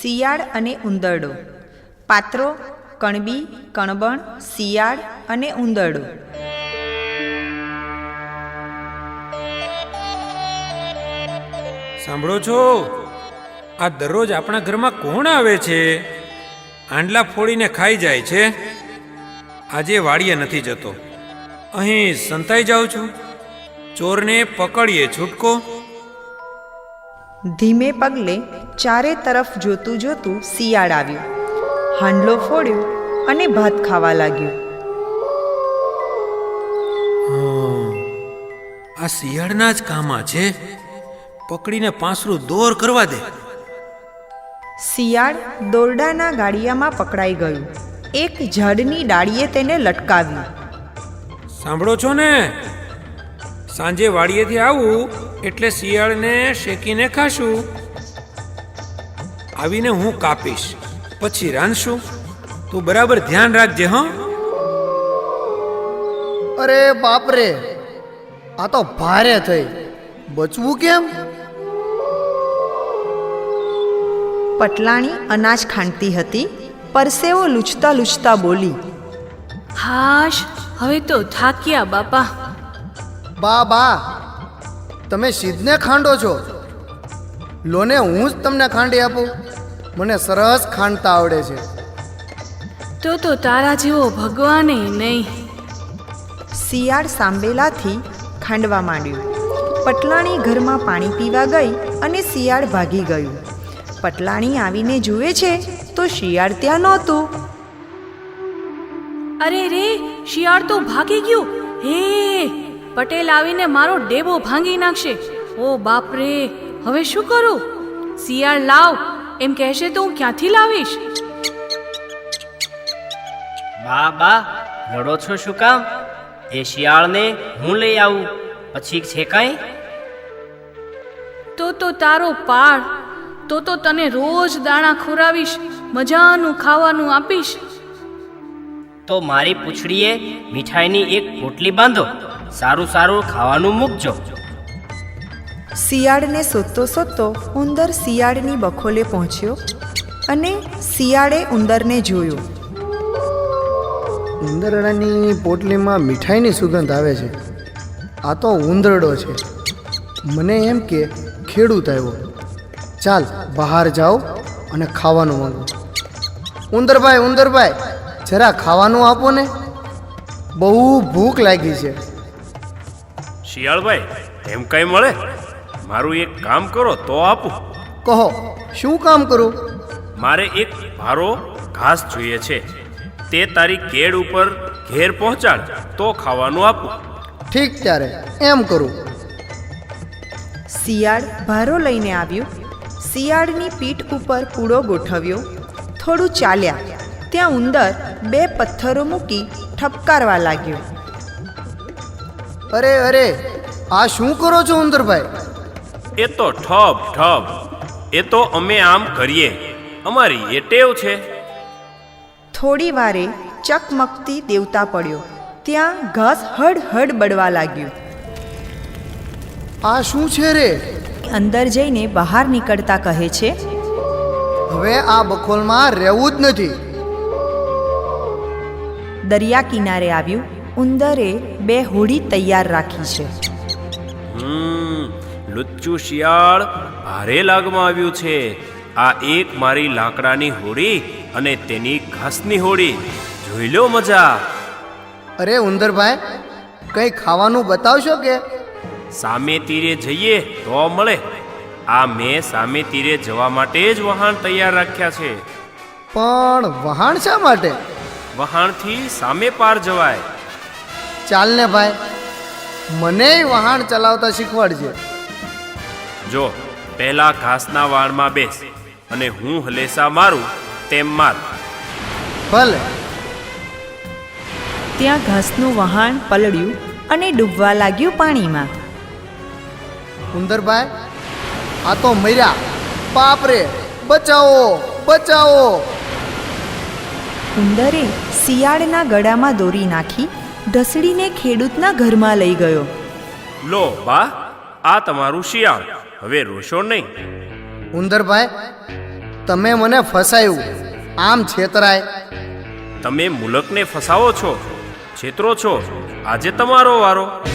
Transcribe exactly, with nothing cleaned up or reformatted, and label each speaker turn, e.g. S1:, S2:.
S1: શિયાળ અને ઉંદરડો. પાત્રો: કણબી, કણબણ, શિયાળ અને ઉંદરડો.
S2: સાંભળો છો? આ દરરોજ આપણા ઘરમાં કોણ આવે છે? આંડલા ફોડીને ખાઈ જાય છે. આજે વાડીએ નથી જતો, અહીં સંતાઈ જાઉં છું. ચોરને પકડીએ છૂટકો.
S1: ધીમે પગલે ચારે તરફ જોતું જોતું શિયાળ આવ્યું, હાંડલો ફોડ્યો અને ભાત ખાવા લાગ્યું.
S2: આ શિયાળના જ કામા છે. પકડીને પાંસરું દોર કરવા દે.
S1: શિયાળ દોરડાના ગાડિયામાં પકડાઈ ગયું. એક ઝાડની ડાળીએ તેને લટકાવ્યું.
S2: સાંભળો છો ને? સાંજે વાડીએથી આવું એટલે શિયાળને શેકીને ખાશું. આવીને હું કાપીશ, પછી રાંધશું. તું બરાબર ધ્યાન રાખજે. હં?
S3: અરે બાપરે, આ તો ભારે થઈ. બચવું કેમ?
S1: પટલાણી અનાજ ખાંડતી હતી. પરસેવો લૂછતા લૂછતા બોલી,
S4: હાશ, હવે તો થાક્યા બાપા.
S3: બા બા, તમે સિદ્ધને ખાંડો છો. લોને હું જ તમને ખાંડી આપું. મને સરસ ખાંડતા આવડે છે.
S4: તો તો તારા જેવો ભગવાને નહીં.
S1: શિયાળ સાંભેલાથી ખાંડવા માંડ્યું. પટલાણી ઘરમાં પાણી પીવા ગઈ અને શિયાળ ભાગી ગયું. પટલાણી આવીને જુએ છે તો શિયાળ ત્યાં નહોતું.
S4: અરે રે, શિયાળ તો ભાગી ગયું. હે, પટેલ આવીને મારો ડેબો ભાંગી નાખશે. ઓ બાપ રે, હવે શું કરું? શિયાળ લાવ એમ કહેશે તો હું ક્યાંથી લાવીશ?
S5: બા બા, લડો છો શું કામ? એ શિયાળને હું લઈ આવું, પછી છે કાંઈ?
S4: તો તો તારો પાડ. તો તો તને રોજ દાણા ખોરાવીશ, મજાનું ખાવાનું આપીશ.
S5: તો મારી પૂંછડીએ મીઠાઈની એક પોટલી બાંધો, સારું સારું ખાવાનું મૂકજો.
S1: શિયાળને શોધતો શોધતો ઉંદર શિયાળની બખોલે પહોંચ્યો અને શિયાળે ઉંદરને જોયો.
S3: ઉંદરડાની પોટલીમાં મીઠાઈની સુગંધ આવે છે. આ તો ઉંદરડો છે. મને એમ કે ખેડૂત આવ્યો. ચાલ બહાર જાઓ અને ખાવાનું માંગો. ઉંદરભાઈ, ઉંદરભાઈ, જરા ખાવાનું આપો ને. બહુ ભૂખ લાગી છે.
S6: શિયાળભાઈ, એમ કઈ મળે? મારું એક કામ કરો તો આપું.
S3: કહો, શું કામ કરું?
S6: મારે એક ભારો ઘાસ જોઈએ છે. તે તારી કેળ ઉપર ઘેર પહોંચાડ તો ખાવાનું આપું.
S3: ઠીક, ત્યારે એમ કરું.
S1: શિયાળ ભારો લઈને આવ્યું. શિયાળની પીઠ ઉપર પૂળો ગોઠવ્યો. થોડું ચાલ્યા ત્યાં ઉંદર બે પથ્થરો મૂકી ઠપકારવા લાગ્યો.
S3: અરે અરે, આ શું કરો છો ઉંદરભાઈ?
S6: એ તો ઠપ ઠપ, એ તો અમે આમ કરીએ, અમારી એ ટેવ છે.
S1: થોડી વારે ચકમકતી દેવતા પડ્યો. ત્યાં ઘાસ હડ હડ બળવા લાગ્યું.
S3: આ શું છે રે?
S1: અંદર જઈને બહાર નીકળતા કહે છે,
S3: હવે આ બખોલમાં રહેવું જ નથી.
S1: દરિયા કિનારે આવ્યું. ઉંદરે બે હોડી તૈયાર રાખી છે.
S6: હમ લુચ્ચું શિયાળ ભારે લાગમાં આવ્યું છે. આ એક મારી લાકડાની હોડી અને તેની ઘાસની હોડી. જોઈ લો મજા.
S3: અરે ઉંદરભાઈ, કંઈ ખાવાનું બતાવશો કે?
S6: સામે તીરે જઈએ તો મળે. આ મેં સામે તીરે જવા માટે જ વહાણ તૈયાર રાખ્યા છે.
S3: પણ વહાણ શા માટે?
S6: વહાણથી સામે પાર જવાય.
S3: ચાલ ને ભાઈ, મને વહાણ ચલાવતા શીખવાડજે.
S6: જો, પહેલા ઘાસના વાણમાં બેસ અને હું હલેસા મારું તેમ માર.
S3: ભલે.
S1: ત્યાં ઘાસનું વહાણ પલળ્યું અને ડૂબવા લાગ્યું પાણીમાં.
S3: ઉંદરભાઈ, આ તો મર્યા. બાપરે, બચાવો બચાવો.
S1: ઉંદરે શિયાળના ગળામાં દોરી નાખી ઢસડીને ખેડૂતના ઘરમાં લઈ ગયો.
S6: લો બા, આ તમારું શિયાળ. હવે રોશો નહીં.
S3: ઉંદરભાઈ, તમે મને ફસાયું, આમ છેતરાય.
S6: તમે મુલકને ફસાવો છો, છેતરો છો. આજે તમારો વારો.